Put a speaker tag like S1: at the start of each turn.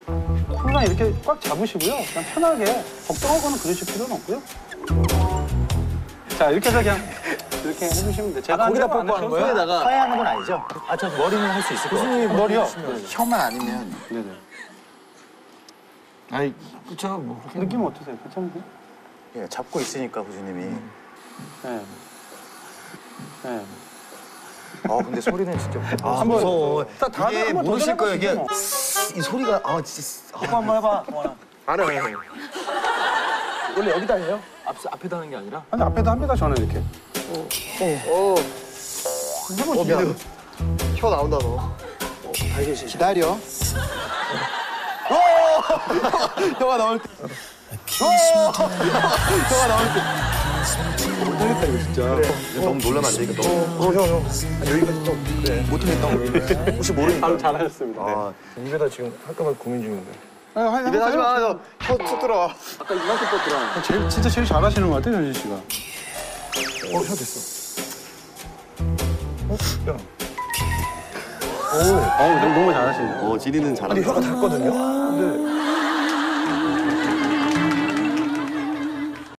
S1: 항상 이렇게 꽉 잡으시고요. 그냥 편하게 걱정하거나 그러실 필요는 없고요. 자, 이렇게 해서 그냥 이렇게 해주시면 돼요. 제가
S2: 거기다 뽀뽀하는 거예요?
S1: 손에다가
S2: 하얀 건 아니죠? 아, 저 머리는 할 수 있을 것 같아요.
S1: 머리요?
S3: 혀만 아니면.
S1: 네네.
S3: 아이, 그쵸, 뭐.
S1: 느낌 어떠세요? 괜찮으세요?
S2: 예, 잡고 있으니까 교수님이.
S1: 네. 네.
S2: 근데 소리는 진짜.
S1: 한번
S3: 무서워.
S1: 다들
S3: 이게
S1: 한번
S3: 모르실 거예요, 이게.
S1: 도전해보시죠.
S3: 이 소리가, 진짜.
S2: 뽀뽀 한번 해봐, 동원아.
S3: 안 해.
S2: 원래 여기다 해요? 앞에다 하는 게 아니라?
S1: 아니, 앞에도 합니다, 저는 이렇게.
S3: 미안. 혀 나온다, 너.
S2: 기다려.
S3: 혀가 나올 때. 혀가 나올 때. 못하겠다, 이거 진짜. 그래. 너무 놀라면 안 되니까, 너무. 형. 여기까지 좀. 그래. 못하겠다, 우리. 혹시 모르니까.
S1: 바로 잘하셨습니다. 네.
S3: 입에다 지금 할까봐 고민 중인데.
S1: 입에
S3: 하지 마, 혀툭 들어와.
S2: 아까 이만큼 뻗더라.
S1: 진짜 제일 잘하시는 것 같아요, 현진 씨가.
S3: 혀 됐어. 야.
S1: 너무 잘하시네요.
S3: 지리는 잘한다. 아니, 혀가 닿거든요? 근데.